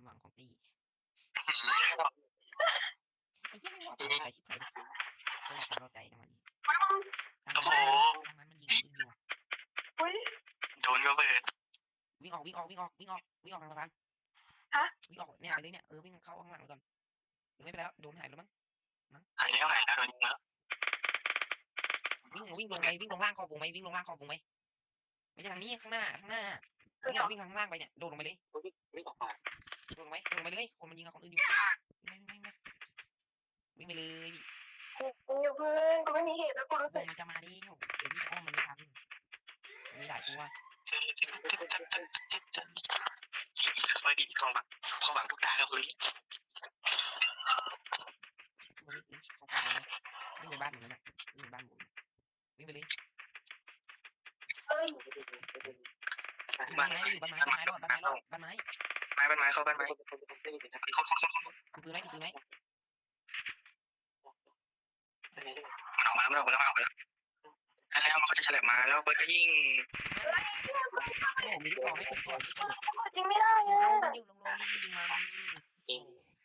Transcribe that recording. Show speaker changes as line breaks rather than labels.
หวังของตีไอ้เหี้ยไม่หวังใจชิบหายเลยตาเราใจนะมันสร้างมันมันยิงปืนอยู่
โดนก็เปิด
วิ่งออกทางสะพานวิ่งออกเนี่ยไปเลยเนี่ยวิ่งเข้าข้างหลังก่อนไม่เป็นไรแล้วโดนหายแล้วมั้ง
หายแล้วโดนยิงแล้ว
วิ่งลงล่างขอบวงไหมวิ่งลงล่างขอบวงไหมไม่ใช่ทางนี้ข้างหน้าวิ่งข้างล่างไปเนี่ยโดดลงไปเลย
วิ่งออกมา
โดดลงไปเลยคนมันยิงกับคนอื่นอยู่วิ่งไปเลย
อยู่เพื่อนกูไม่มีเหตุแล้วกูรู้สึก
มันจะมาดิเดี๋ยววิ่งอ้อมมันไม่ทันมีหลายตัว
ไว้ดีความหวังทุกตาครับคุณ
วิ่งไปบ้านหนูนะวิ่งไปบ้านหนูวิ่งไปเลยบ้านไม้อยู่บ้านไม้เข้าบ้านไม้ปืนไหม
มันออกมาแล้วแล้วมันก็จะเฉลบมาแล้วเบิร์ดก็ยิ่ง
โอ้มีลูกศรให้ผมก่อน
จริงไม่ได้
เอายิงลงยิงมัน